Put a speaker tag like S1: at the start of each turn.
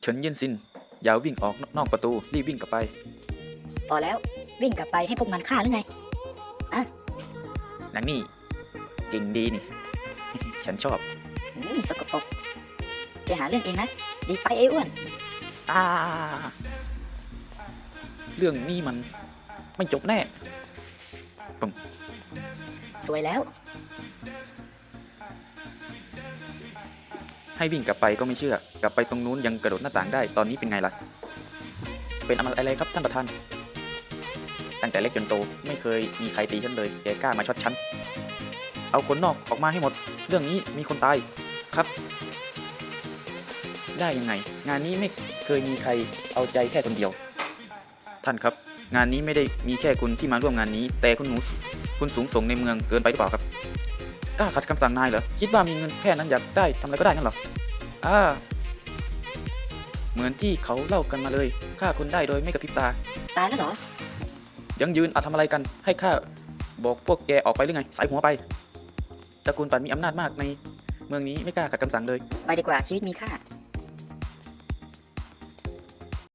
S1: เฉินเย็นซินอย่าวิ่งออกนอกประตูรีบวิ่งกลับไป
S2: พอแล้ววิ่งกลับไปให้พวกมันฆ่าหรือไง
S1: นางนี่เก่งดีนี่ ฉันชอบ
S2: สกปรกแกหาเรื่องเองนะดีไปไอ้อ้วน
S1: อ่าเรื่องนี้มันไม่จบแน่ปึ้ง
S2: สวยแล้ว
S1: ให้วิ่งกลับไปก็ไม่เชื่อกลับไปตรงนู้นยังกระโดดหน้าต่างได้ตอนนี้เป็นไงล่ะเป็นอะไรครับท่านประธานตั้งแต่เล็กจนโตไม่เคยมีใครตีฉันเลยแกกล้ามาช็อตฉันเอาคนนอกออกมาให้หมดเรื่องนี้มีคนตายครับได้ยังไงงานนี้ไม่เคยมีใครเอาใจแค่คนเดียวท่านครับงานนี้ไม่ได้มีแค่คุณที่มาร่วมงานนี้แต่คุณสูงส่งในเมืองเกินไปหรือเปล่าครับกล้าขัดคำสั่งนายเหรอคิดว่ามีเงินแค่นั้นอยากได้ทำอะไรก็ได้งั้นเหรอเหมือนที่เขาเล่ากันมาเลยฆ่าคุณได้โดยไม่กระพริบตา
S2: ตายแล้วเหรอ
S1: ยังยืนทำอะไรกันให้ข้าบอกพวกแกออกไปหรือไงสายหัวไปตระกูลปัดมีอำนาจมากในเมืองนี้ไม่กล้าขัดคำสั่งเลย
S2: ไปดีกว่าชีวิตมีค่า